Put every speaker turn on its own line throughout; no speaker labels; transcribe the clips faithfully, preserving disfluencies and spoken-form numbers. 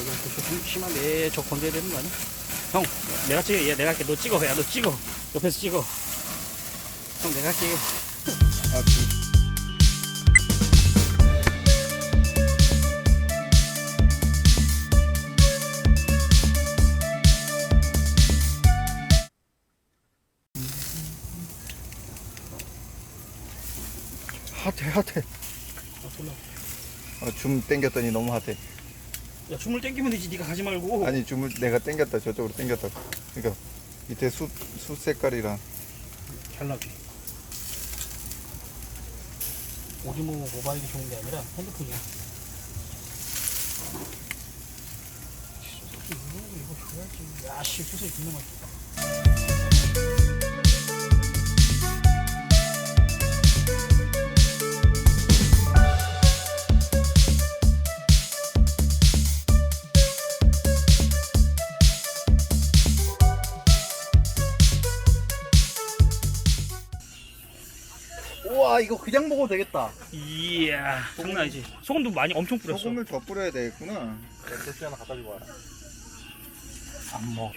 이거 좀 심한데 저 건져야 되는 거 아니야? 형, 내가 찍어. 얘 내가 할게. 너 찍어. 야, 너 찍어. 옆에서 찍어. 형, 내가 할게.
아, 그, 핫해 핫해.
아, 졸라.
어, 줌 땡겼더니 너무 핫해.
야, 춤을 땡기면 되지. 네가 가지 말고.
아니 줌을 내가 땡겼다 저쪽으로 땡겼다. 그러니까 밑에 숯, 숯 색깔이랑.
잘 나지. 오디모 모바일이 좋은 게 아니라 핸드폰이야. 소세지 이거 이거 줘야지. 야, 씨, 소세지 존나 맛있다.
우와 이거 그냥 먹어도 되겠다.
이야, 장난 아니지. 소금도 많이 엄청 뿌렸어.
소금을 더 뿌려야 되겠구나.
대추 하나 갖다 주고 와라.
안 먹어.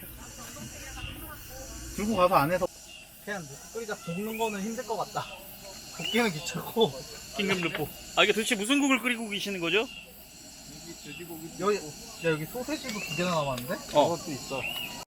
들고 가서 안에서 그냥 끓이자. 볶는 거는 힘들 것 같다. 볶기는 귀찮고.
긴급 르포. 아, 이게 도대체 무슨 국을 끓이고 계시는 거죠?
여기 돼지고기
여기 야 여기 소세지도 두 개나 남았는데?
어.
그것도 있어.